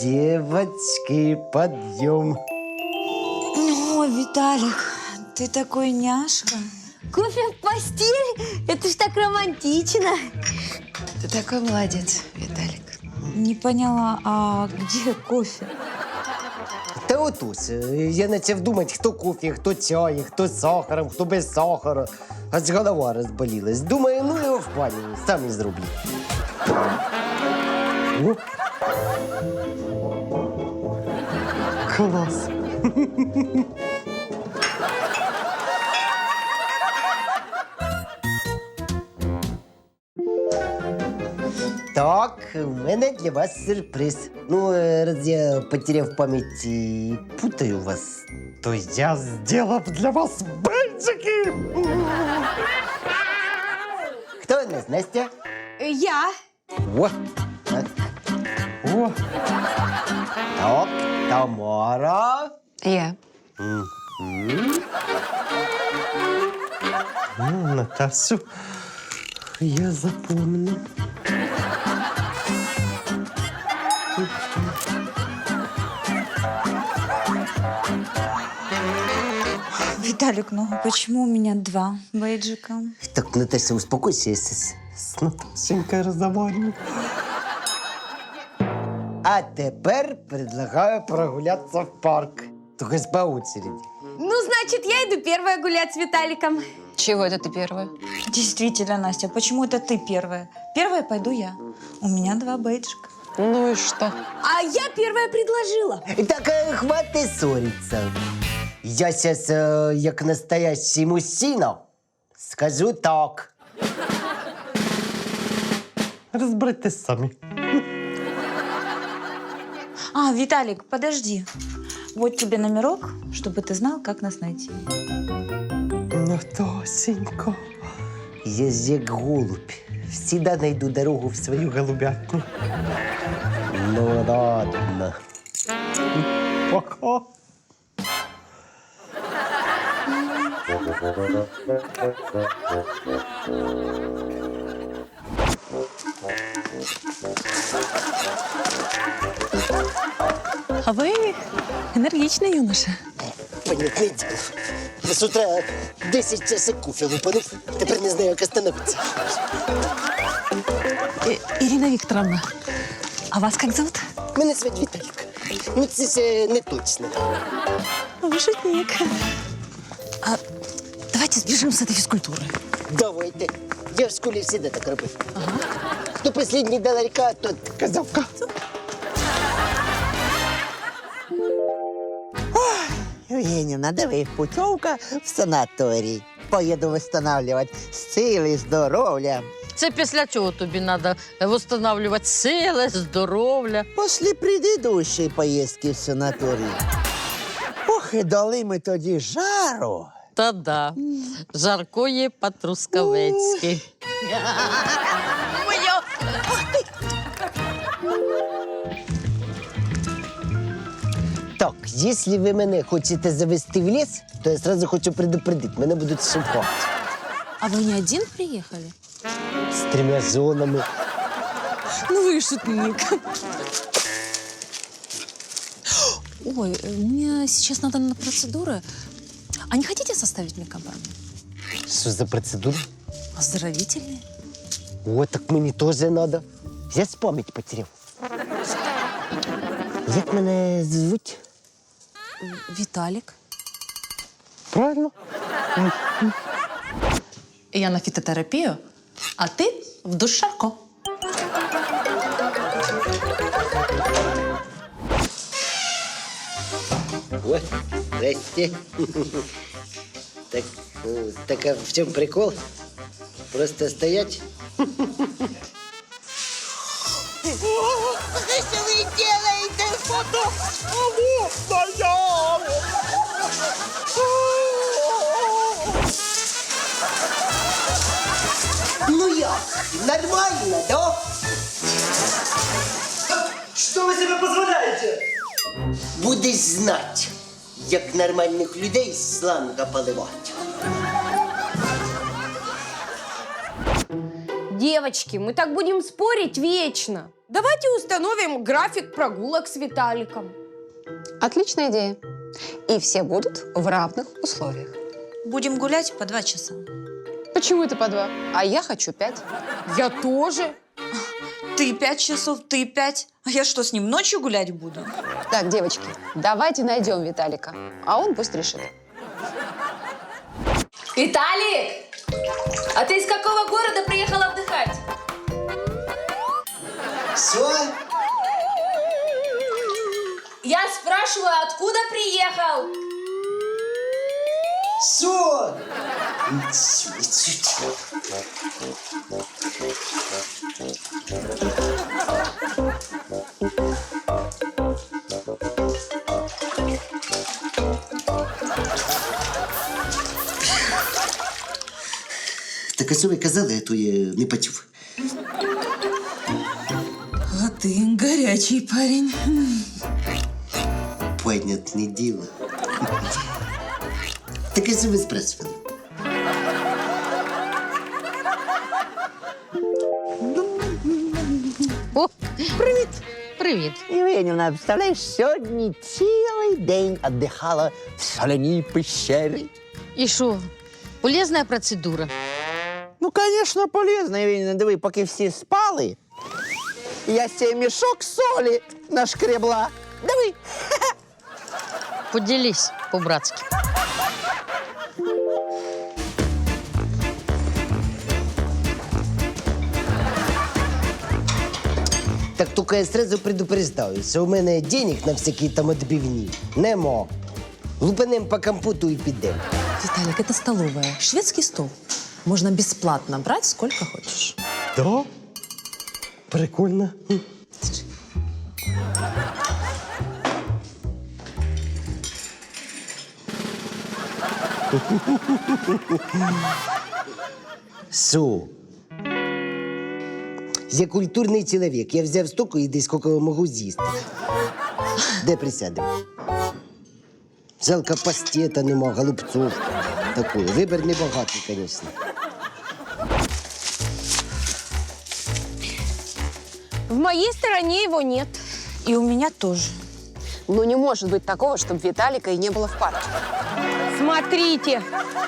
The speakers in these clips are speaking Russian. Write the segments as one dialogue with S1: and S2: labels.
S1: Девочки, подъем.
S2: О, Виталик, ты такой няшка.
S3: Кофе в постель? Это ж так романтично.
S2: Ты такой молодец, Виталик. Не поняла, а где кофе?
S1: Та отож, я почав думати, хто кофе, хто чай, хто з сахаром, хто без сахару. Аж голова розболілась. Думаю, ну його в пані, сам і зроблю. О. Клас. Так, у мене для вас сюрприз. Ну, раз я потеряв пам'ять і путаю вас, то я зробив для вас бейджики. Хто у нас, Настя?
S3: Я.
S1: О, так. О. Так, Тамара.
S2: Я.
S1: Натасю, я запомню.
S2: Виталик, ну почему у меня 2 бейджика?
S1: Так, Наташа, успокойся, я с Наташенькой разговариваю. А тепер предлагаю прогуляться в парк. Только по очереди.
S3: Ну, значит, я иду первая гулять с Виталиком.
S2: Чего это ты первая? Действительно, Настя, почему это ты первая? Первая пойду я. У меня 2 бейджика.
S4: Ну и что?
S3: А я первая предложила.
S1: Так, хватит ссориться. Я сейчас, як настоящий мужчина, скажу так. Разбирайтесь сами.
S2: А, Виталик, подожди. Вот тебе номерок, чтобы ты знал, как нас найти.
S1: Наташенька, я же як голубь. Всегда найду дорогу в свою голубятню. Ну ладно. Пока.
S4: А вы энергичный юноша.
S1: Понятне діло. Я з утра 10 часик кофе лупанув, тепер не знаю, як остановитися.
S4: Ирина Викторовна, а вас как зовут?
S1: Мене звуть Віталік. Ну, це ще не точно.
S4: Вы шутник. А давайте сбежим с этой физкультуры.
S1: Давайте. Я в школі завжди так робив. Ага. Хто останній до ларька, тот казавка.
S5: Евгеньевна, диви, путевка в санаторій. Поїду восстанавливать сили, здоров'я.
S6: Це після цього тобі треба відновлювати сили, здоров'я.
S5: Після предыдущої поїздки в санаторій. Ох, і дали ми тоді жару.
S6: Та да, жаркої по-трускавецьки.
S1: Так, якщо ви мене хочете завести в ліс, то я одразу хочу предупредити, мене будуть шукати.
S4: А вы не один приехали?
S1: З 3 зонами.
S4: Ну вы шутник. Ой, мне сейчас надо на процедуры. А не хотите составить мне компанию?
S1: Що за процедура?
S4: Оздоровительные.
S1: О, так мені теж треба. Я ж пам'ять потеряв. Як мене звуть?
S4: Виталик.
S1: Правильно?
S4: Я на фитотерапию, а ты в душ Шарко.
S1: О, здрасте. Так, так а в чем прикол? Просто стоять?
S5: Що ви робите?
S1: Ну як? Нормально, да?
S7: Что вы себе позволяете?
S1: Будеш знати, як нормальних людей з шланга поливати.
S3: Девочки, мы так будем спорить вечно.
S8: Давайте установим график прогулок с Виталиком.
S9: Отличная идея. И все будут в равных условиях.
S2: Будем гулять по 2 часа.
S9: Почему это по 2? А я хочу 5.
S8: Я тоже.
S2: Ты 5 часов, ты 5. А я что, с ним ночью гулять буду?
S9: Так, девочки, давайте найдем Виталика, а он пусть решит.
S3: Виталик! А ты из какого города приехал отдыхать?
S1: Що?
S3: Я спрашиваю, откуда приехал?
S1: Що? Так а що ви казали, а то я не почув.
S2: А ты горячий парень.
S1: Понятное дело. Так а что вы спрашивали?
S6: О, привіт. Привіт.
S5: Євгенівна, представляєш, сьогодні цілий день віддихала в соляній пещері.
S6: І що? Полезна процедура.
S5: Ну, звісно, полезно, Євгенівна. Диви, поки всі спали, я цей мішок солі нашкребла. Диви.
S6: Поділись по-братськи.
S1: Так только я сразу предупреждаю, что у меня денег на всякие там отбивни нема. Лупанем по компоту и підем.
S4: Виталик, это столовая. Шведский стол. Можно бесплатно брать сколько хочешь.
S1: Да? Прикольно. Що? Я культурний чоловік. Я взяв стільки і десь скільки можу з'їсти. Де присядемо? Жалко пастета нема, голубцов. Такой. Вибір небагатий, звісно.
S8: В моей стороне его нет.
S2: И у меня тоже.
S9: Ну, не может быть такого, чтобы Виталика и не было в парке.
S8: Смотрите.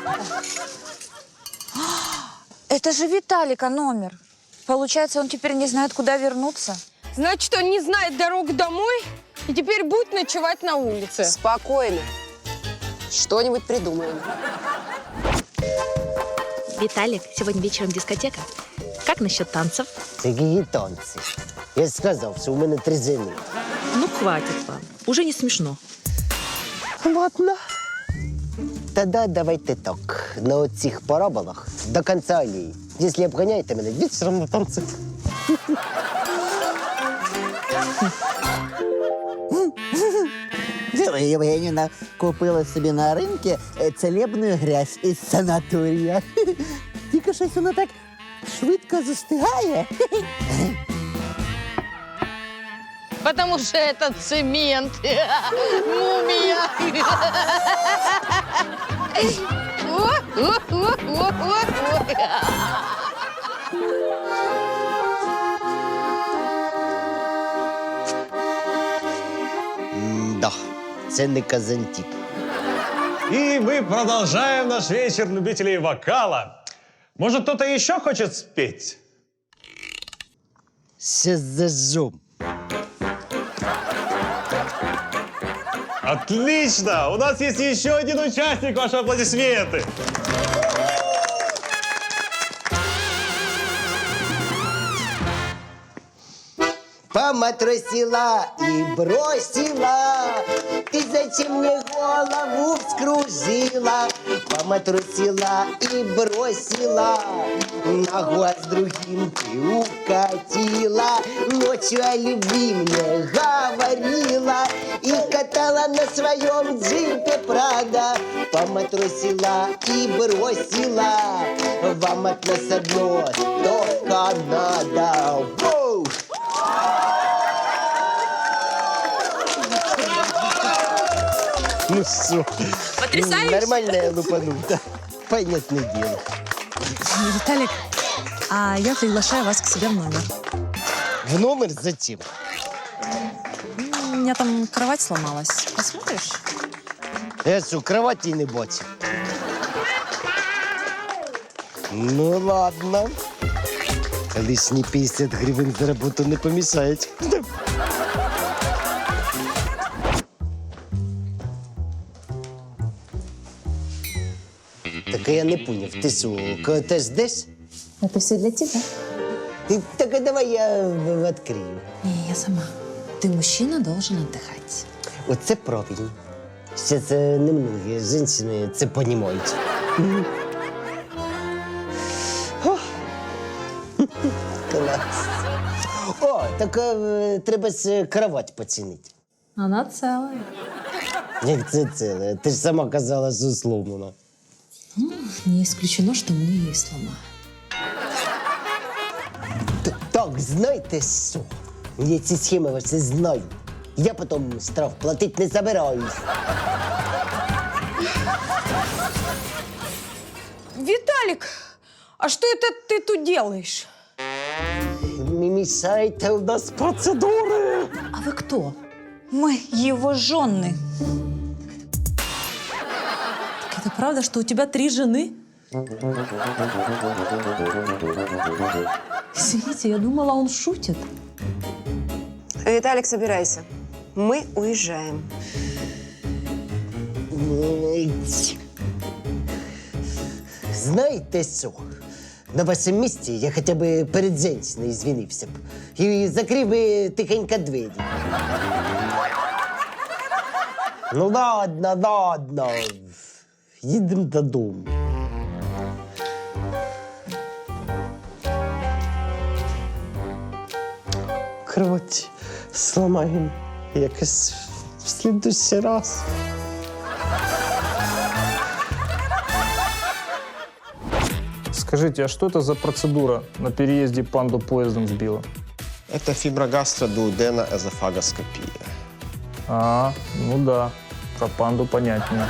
S2: Это же Виталика номер. Получается, он теперь не знает, куда вернуться.
S8: Значит, он не знает дорогу домой и теперь будет ночевать на улице.
S9: Спокойно. Что-нибудь придумаем.
S10: Виталик, сегодня вечером дискотека. Как насчет танцев?
S1: Це які танці. Я ж сказав, що у мене 3 жени.
S10: Ну, хватит вам. Уже не смешно.
S1: Ладно. Тогда давайте так. На оцих параболах до конца аллеї. Якщо обганяєте мене, вечором на танці.
S5: Євгенівна купила собі на ринку целебну грязь із санаторія. Тільки щось воно так швидко застигає.
S6: Потому что это цемент. Мумия.
S1: Да, це не Казантип.
S11: И мы продолжаем наш вечер любителей вокала. Может, кто-то еще хочет спеть?
S1: Сейчас зажжем.
S11: Отлично! У нас есть еще один участник. Ваши аплодисменты.
S1: Поматросила и бросила. Ты зачем мне голову вскружила? Поматросила и бросила. Ногу с другим ты укатила. Ночью о любви мне говорила. И катала на своем джипе Прада. Поматросила и бросила. Вам от нас одно только надо. Воу! Ну все.
S4: Потрясающе.
S1: Нормально я лупанул, да. Понятное дело.
S4: Виталик, а я приглашаю вас к себе в номер.
S1: В номер зачем?
S4: У меня там кровать сломалась. Посмотришь?
S1: Я що, кроваті не бачив. Ну ладно. Лишні 50 гривень за роботу не помішають. Так а я не поняв, ти що, кого теж ждеш?
S4: Это все для тебя.
S1: Так а давай я відкрию.
S4: Не, я сама. Ты мужчина, должен отдыхать.
S1: Оце правильно. Зараз немногі жінки це розуміють. Клас. О, так треба ж кровать поцінити.
S4: Она целая.
S1: Як це ціле? Ти ж сама казала, що сломана.
S4: Не исключено, что мы ее сломаем.
S1: Так, знаєте що? Я ці схеми ваші знаю. Я потім штраф платити не собираюсь.
S8: Виталик, а что это ты тут делаешь?
S1: Не мішайте, у нас процедури.
S4: А вы кто?
S2: Мы его жены.
S4: Так это правда, что у тебя 3 жены? Извините, я думала, он шутит.
S9: Виталик, собирайся. Мы уезжаем.
S1: Знаєте що? На вашому місці я хоча б перед жінкою звінився б. І закрив би тихенько двері. Ну ладно, ладно. Їдемо додому. Кровать сломаємо якось в слідущий раз.
S12: Скажите, а что это за процедура? На переезде панду поездом сбила.
S13: Это фиброгастродуоденоэзофагоскопия.
S12: А, ну да, про панду понятнее.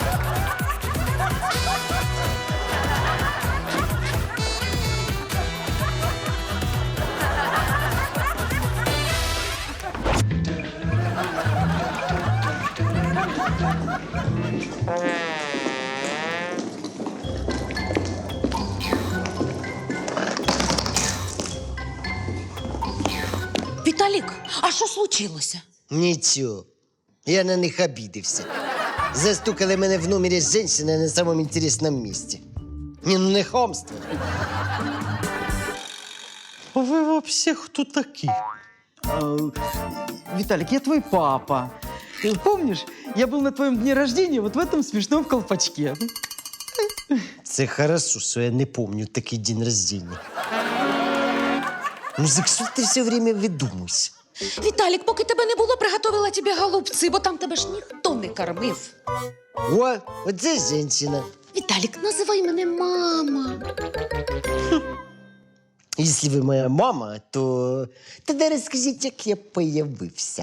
S6: Віталік, а що случилося?
S1: Нічого. Я на них обідився. Застукали мене в номері з жінкою на самому інтересному місці. Ні, ну не хамство.
S7: А вы вообще кто такие? Виталик, я твой папа. Ты помнишь, я был на твоем дне рождения вот в этом смешном колпачке.
S1: Це хорошо, що я не пам'ятаю такий день рождения. Ну, за що ти все время видумуєш?
S6: Віталік, поки тебе не було, приготувала тобі голубці, бо там тебе ж ніхто не кормив.
S1: О, оце жінка.
S6: Віталік, називай мене мама.
S1: Якщо ви моя мама, то тоді розкажіть, як я появився.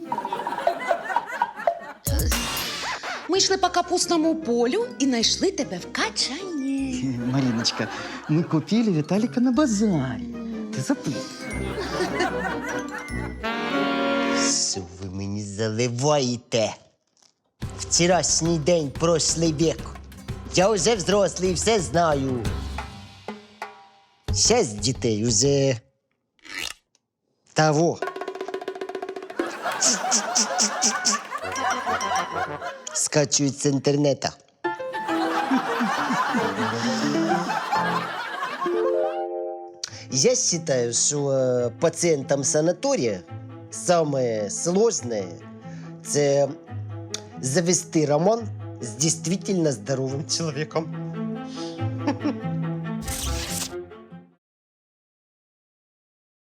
S6: Ми йшли по капустному полю і знайшли тебе в качані.
S7: Мариночка, мы купили Виталика на базаре. Ты забыл?
S1: Що ви мені заливаєте? Вчорашній день, прошлий вік. Я вже взрослий, все знаю. 6 дітей уже того. Скачують з інтернету. Я считаю, что пациентам санатория самое сложное – це завести роман с действительно здоровым человеком.